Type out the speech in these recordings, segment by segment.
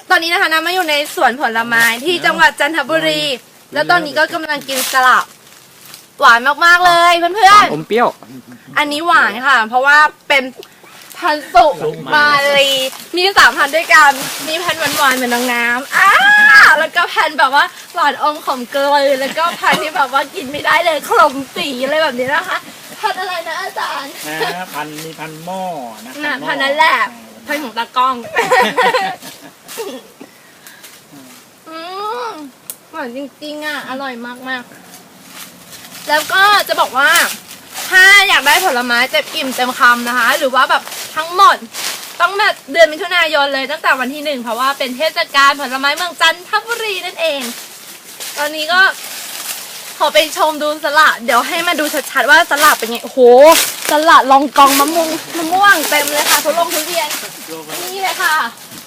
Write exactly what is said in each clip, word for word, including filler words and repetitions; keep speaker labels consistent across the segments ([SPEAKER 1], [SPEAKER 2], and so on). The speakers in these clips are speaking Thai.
[SPEAKER 1] ตอนนี้นะคะน้ำมาอยู่ในสวนผลไม้ที่จังหวัดจันทบุรีแล้วตอนนี้ก็กำลังกินสลับหวานมากๆเลยเพื่อนๆ
[SPEAKER 2] อมเปรี้ยว
[SPEAKER 1] อันนี้หวานค่ะเพราะว่าเป็นพันธุ์สุมาลีมีสามพันธุ์ด้วยกันมีพันธุ์หวานๆเหมือนน้องน้ำอ้าแล้วก็พันธุ์แบบว่าหวานอมขมเกลือแล้วก็พันธุ์ที่แบบว่ากินไม่ได้เลยขมปีอะไรแบบนี้นะคะพันธุ์อะไรนะอาจารย์
[SPEAKER 3] นะพันมีพันหม้อนะ
[SPEAKER 1] พันธุ์นั้นแหละพันธุ์ของตากล้องอืมหวานจริงๆอ่ะอร่อยมากๆแล้วก็จะบอกว่าถ้าอยากได้ผลไม้เต็มอิ่มเต็มคำนะคะหรือว่าแบบทั้งหมดต้องแบบเดือนมิถุนายนเลยตั้งแต่วันที่หนึ่งเพราะว่าเป็นเทศกาลผลไม้เมืองจันทบุรีนั่นเองตอนนี้ก็ขอไปชมดูสลัดเดี๋ยวให้มาดูชัดๆว่าสลัดเป็นไงโอ้โหสลัดลองกองมะม่วงมะม่วงเต็มเลยค่ะทุลงทุเรียนนี่เลยค่ะ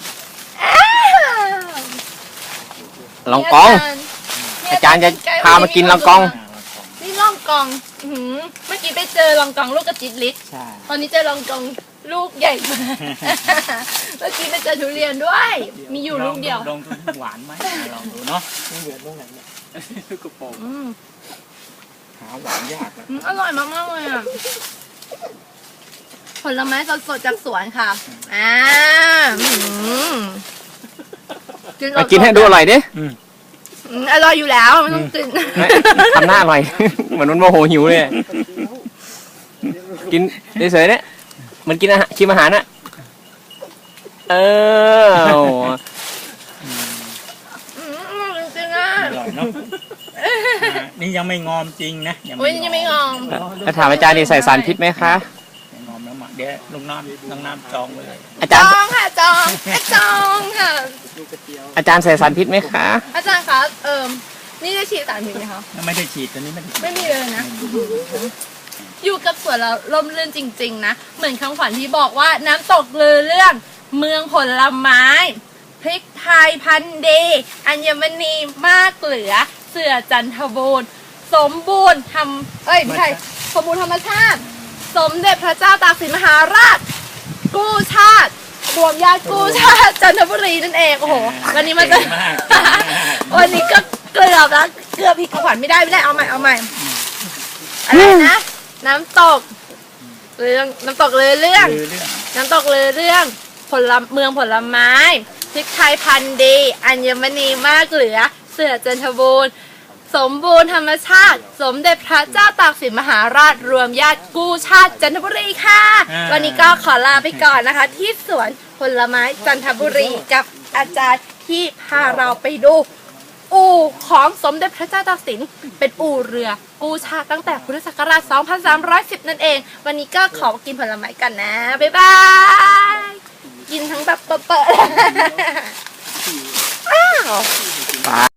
[SPEAKER 2] ลองกองอาจารย์จะพามากินลองกอง
[SPEAKER 1] นี่ลองกองเมื่อกี้ไปเจอลองกองลูกกระจิตลิศตอนนี้เจอลองกองลูกใหญ่มากเมื่อกี้ไปเจอทุเรียนด้วยมีอยู่ลูกเดียว
[SPEAKER 3] ลองทุหวานไหมลองดูเนาะไม่เหมือนตรงไหนเนี่ยกระโปรงหาหวานยาก
[SPEAKER 1] อร่อยมากๆเลยอ่ะผลไม้สดๆจากสวนค่ะอ่า
[SPEAKER 2] มากินให้ดูอร่อยดิ
[SPEAKER 1] อร่อยอยู่แล้วไม่ต้องกิน
[SPEAKER 2] ทำหน้าอร่อยเหมือนมันโมโหหิวเลยกินเฉยๆเนี่ยมันกินอาหารชิมอาหารน่ะเออ
[SPEAKER 1] จริงอ่ะ
[SPEAKER 3] อร่อยเนาะนี่ยังไม่งอมจริงนะ
[SPEAKER 1] ยังไม่งอม
[SPEAKER 2] แล้วถามอาจารย์นี่ใส่สารพิษไหมคะ
[SPEAKER 3] งอมแล้วมาเดี๋ยวลุงน้ำลุงน้ำจองเลย
[SPEAKER 2] อาจารย์
[SPEAKER 1] จองค่ะจองจองค่ะ
[SPEAKER 2] อาจารย์ใส่สารพิษไหมคะ
[SPEAKER 1] อาจารย์คะเอิมนี่ได้ฉีดสารพิษไหมคะ
[SPEAKER 3] ไม่ได้ฉีดตอนนี้ไม่ได้
[SPEAKER 1] ไม่มีเลยนะอยู่กับสวนเราร่มรื่นจริงๆนะเหมือนคำขวัญที่บอกว่าน้ำตกลือเรื่องเมืองผลไม้พริกไทยพันธุ์ดีอัญมณีมากเหลือเสือจันทบูรณ์สมบูรณ์ทำเอ้ยไม่ใช่สมบูรณ์ธรรมชาติสมเด็จพระเจ้าตากสินมหาราชกู้ชาติรวมญาติกู้ชาติจันทบุรีนั่นเองโอ้โหวันนี้มาจะวันนี้ก็เกือบแล้วเกือบผิดคำขวัญไม่ได้ไม่ได้เอาใหม่เอาใหม่อะไรนะน้ำตกเรื่องน้ำตกเลยเรื่องน้ำตกเลยเรื่องผลเมืองผลไม้พริกไทยพันธุ์ดีอัญมณีมากเหลือเสือจันทบูรณ์สมบูรณ์ธรรมชาติสมเด็จพระเจ้าตากสินมหาราชรวมญาติกู้ชาติจันทบุรีค่ะวันนี้ก็ขอลาไปก่อนนะคะที่สวนผลไม้จันทบุรีกับอาจารย์ที่พาเราไปดูอู่ของสมเด็จพระเจ้าตากสินเป็นอู่เรือกู้ชาติตั้งแต่พุทธศักราชสองพันสามร้อยสิบนั่นเองวันนี้ก็ขอกินผลไม้กันนะบ๊ายบายกินทั้งแบบเปิดๆ